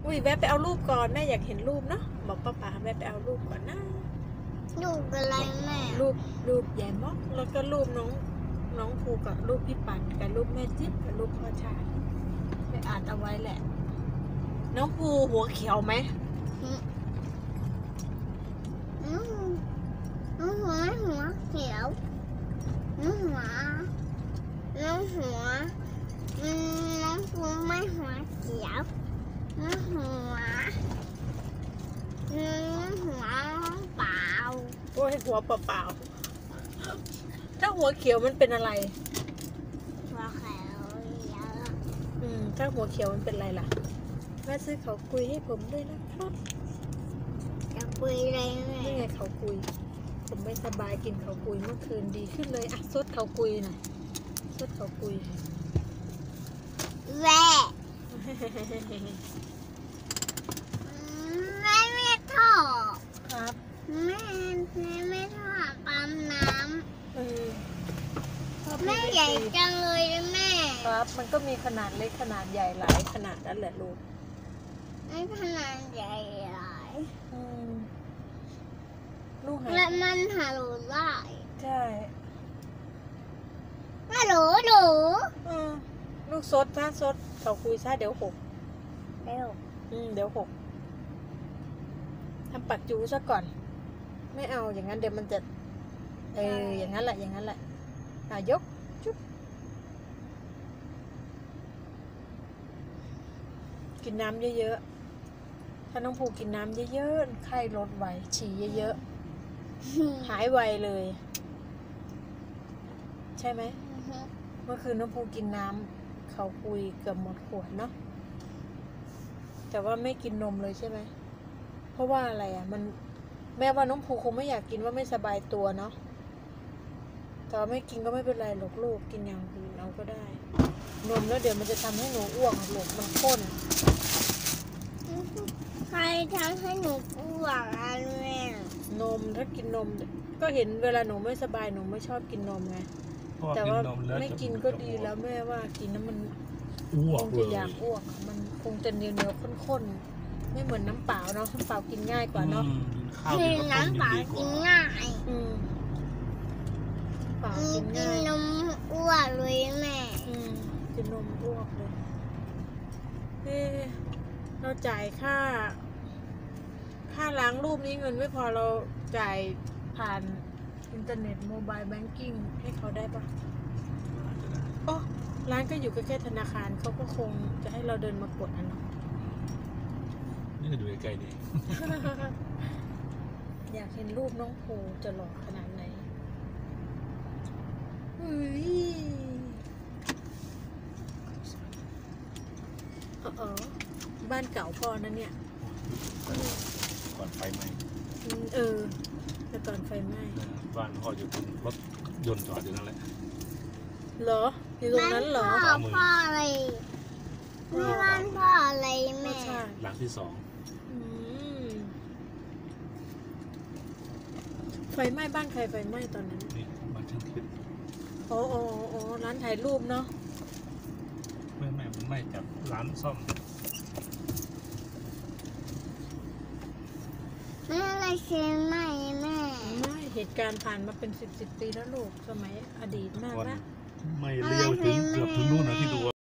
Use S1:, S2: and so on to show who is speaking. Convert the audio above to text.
S1: อุ้ยแวะไปเอารูปก่อนแม่อยากเห็นรูปเนาะบอกป้าป๋าแวะไปเอารูปก่อนนะ
S2: รูปอะไรแม่
S1: รูปใหญ่ม็อกแล้วก็รูปน้องภูกับรูปพี่ปันกับรูปแม่จิ๊บกับรูปพ่อชายไปอ่านเอาไว้แหละน้องภูหัวเขียวไหม
S2: หัวเขียวหัวน้องภูไม่หัวเขียวหัวเปล่า
S1: โอ้ยหัวเปล่าๆถ้าหัวเขียวมันเป็นอะไร
S2: หัวเขียวเยอะ
S1: ถ้าหัวเขียวมันเป็นอะไรล่ะแม่ซื้อเขาคุยให้ผมด้วยนะครับ
S2: จะคุยอะไรแม่
S1: นี่ไงเขาคุยผมไม่สบายกินเขาคุยเมื่อคืนดีขึ้นเลยอ่ะซดเขาคุยหน่อยซดเขาคุย
S2: แม่ไม่ทอด
S1: ครับ
S2: แม่ไม่ทอดปั๊มน้ำแม่ใหญ่จังเลยแม่
S1: ครับมันก็มีขนาดเล็กขนาดใหญ่หลายขนาดนั่นแหละลูก
S2: ไม่ขนาดใหญ่หลาย
S1: ลูก
S2: และมันหาหลูได้
S1: ใช่
S2: ฮัลโหล
S1: ลูกซดถ้าซดเขาคุยซะเดี๋ยวหกเดี๋ยวหกทำปักจูซะก่อนไม่เอาอย่างนั้นเดี๋ยวมันจะอย่างนั้นแหละยกจุ๊บกินน้ำเยอะๆถ้าน้องภูกินน้ำเยอะๆไข้ลดไวฉี่เยอะๆหายไวเลยใช่ไหมเมื่อคืนน้องภูกินน้ำเขาคุยเกือบหมดขวดเนาะแต่ว่าไม่กินนมเลยใช่ไหมเพราะว่าอะไรอ่ะมันแม่ว่าน้องภูคงไม่อยากกินว่าไม่สบายตัวเนาะแต่ไม่กินก็ไม่เป็นไรหรอกลูกกินอย่างอื่นเอาก็ได้นมแล้วเดี๋ยวมันจะทำให้หนูอ้วกลูกมันข้น
S2: ใครทำให้หนูอ้วกอ่ะแม่
S1: นมถ้ากินนมก็เห็นเวลาหนูไม่สบายหนูไม่ชอบกินนมไงแต่ว่าไม่กินก็ดีแล้วแม่ว่ากินน้ำมันคงจะอยากอ้วกมันคงจะเหนียวข้นๆไม่เหมือนน้ำเปล่าเนาะน้ำเปล่ากินง่ายกว่าเนาะ
S2: น้ำเปล่ากินง่าย
S1: เปล่ากินง่าย
S2: นมอ้วกเลยแม่
S1: กินนมอ้วกเลยเราจ่ายค่าล้างรูปนี้เงินไม่พอเราจ่ายผ่านอินเทอร์เน็ตโมบายแบงกิ้งให้เขาได้ปะโอ้ร้านก็อยู่ใกล้ๆธนาคารเขาก็คงจะให้เราเดินมากดเนาะ
S3: นี่ก็ดูใกล้ๆดี
S1: อยากเห็นรูปน้องภูจะหล่อขนาดไหนบ้านเก่าพ่อนั่นเนี่ย
S3: ก่อนไฟไหม้
S1: แต่ก่อนไฟไหม้
S3: บ้านพ่ออยู่บนรถยนต์จอดอยู่นั่นแหละ
S1: เหรออยู่ตรงนั้นเหรอ
S2: พ่ออะไรไม่บ้านพ่ออะไรแม่
S3: หลังที่สอง
S1: ไฟไหม้บ้านใครไฟไหม้ตอนนั้น
S3: นี่บ้านช่างคิด
S1: โอ้ร้านถ่ายรูปเนาะ
S3: ไม่มันไหม้จากร้านซ่อม
S2: ไม่อะไรเสียไหมแม่
S1: ไม่เหตุการณ์ผ่านมาเป็น10 ปีแล้วลูกสมัยอดีตมากนะ
S3: ไม่เลี้ยวถึงเกือบถึงนู่นนะที่ดู